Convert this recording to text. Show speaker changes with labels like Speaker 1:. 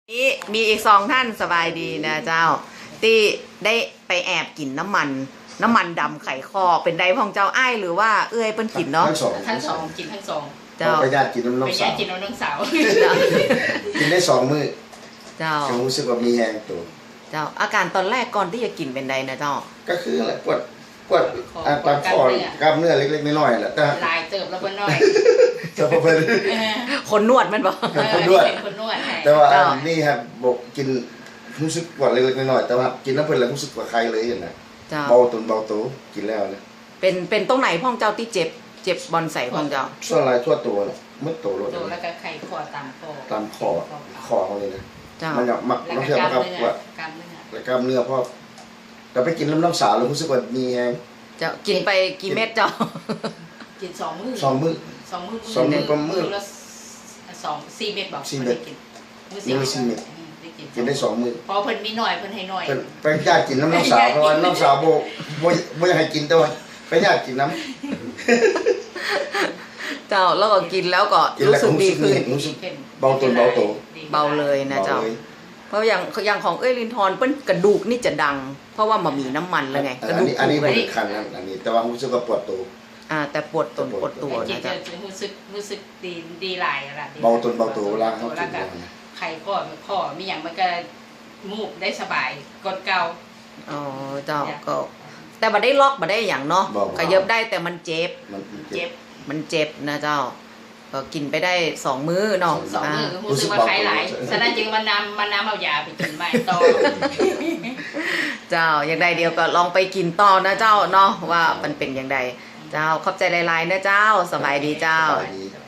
Speaker 1: นี่มีอีกสองท่านสบายดีนะเจ้าที่ได้ไปแอบกินน้ำมันดำไข่คอเป็นไดของเจ้าอ้ายหรือว่าเอื้อยเปิ้นกินเนาะ
Speaker 2: ทั้งสองกินทั้งสอง
Speaker 1: เจ้า
Speaker 3: ไปญาติกินน้ำน้อง
Speaker 2: ไป
Speaker 3: สา
Speaker 2: ญาว ติกินน้องสาว
Speaker 3: กินได้2 มื้อ
Speaker 1: เจ้า
Speaker 3: รู้สึกว่ามีแรงตัว
Speaker 1: เจ้าอาการตอนแรกก่อนที่จะกินเป็นไดนะเจ้า
Speaker 3: ก็คืออะไรปวดตามคอกล้ามเนื้อเล็กๆน้อยๆแหละแต่
Speaker 2: ลายเติบแล้วก็น้อย
Speaker 3: จะพอเป็น
Speaker 1: คนนวดมันบอก
Speaker 3: คนนวด
Speaker 2: คนนวด
Speaker 3: แต่ว่านี่ครับบอกกินรู้สึกปวดเล็กๆน้อยๆแต่ว่ากินน้ำเพิ่นแล้วรู้สึกว่าใครเลยเห็นนะเบาโตกินแล้วนะ
Speaker 1: เป็นตรงไหนพ่องเจ้าที่เจ็บบอลใส่พ่องเจ้า
Speaker 3: ส่วนลายทั่วตัวน่ะมืดโตรถ
Speaker 2: แล้วก็ไข่คอตามคอ
Speaker 3: คอเขาเลยนะ
Speaker 1: เจ้า
Speaker 3: มันอยากมักน้องเชื่อครับว่ากล้ามเนื้อพ่อเราไปกินน้ำสาวแล้วรู้สึกว่ามีแรง
Speaker 1: เจ้ากินไปกี่เม็ดเจ้า
Speaker 2: กิน2 มื้อ
Speaker 3: 2 มื้อก็มื้อ
Speaker 2: ละ4 เม็ดบอก
Speaker 3: 4 เม็ดมื้อ4 เม็ดกินได้2 มื้อ
Speaker 2: พอเพิ่นมีหน่อยเพิ่นให้หน่อย
Speaker 3: ไปญาติกินน้ำสาวเพราะว่าน้ำสาวบ่อยากให้กินแต่ว่าไปญาติกินน้
Speaker 1: เจ้าแล้วก็กินแล้วก็รู้สึกดีขึ้น
Speaker 3: รู้สึกเบา
Speaker 1: เลยนะเจ้าเพราะอย่างของเอ้ยลินทอนเปิ้นกระดูกนี่จะดังเพราะว่ามันมีน้ำมันแล้วไงกระดูก
Speaker 3: อันนี้บ่ได้คันอันนี้แต่ว่ารู้สึกว่าปวดตัว
Speaker 1: แต่ปวดตัวนะจ๊ะ
Speaker 2: รู้สึกดีหลายล่ะ
Speaker 3: เบาตัวเวลาเฮากิน
Speaker 2: ไข่ข้อมีหยังมันก็มูกได้สบายกดเก่า
Speaker 1: อ๋อเจ้าก็แต่บ่ได้ล็อกบ่ได้หยังเนาะขยับได้แต่มันเจ็บนะเจ้าก็กินไปได้2 มื้อเนาะ
Speaker 2: 2 มื้อรู้สึกว่าไข้หลายฉะนั้นจึงมันน้ำเอายาไปกินใหม่ต่อ
Speaker 1: เจ้าอย่างใดเดียวก็ลองไปกินต่อนะเจ้าเนาะว่ามันเป็นอย่างใดเจ้าขอบใจหลายๆนะเจ้าสบายดีเจ้า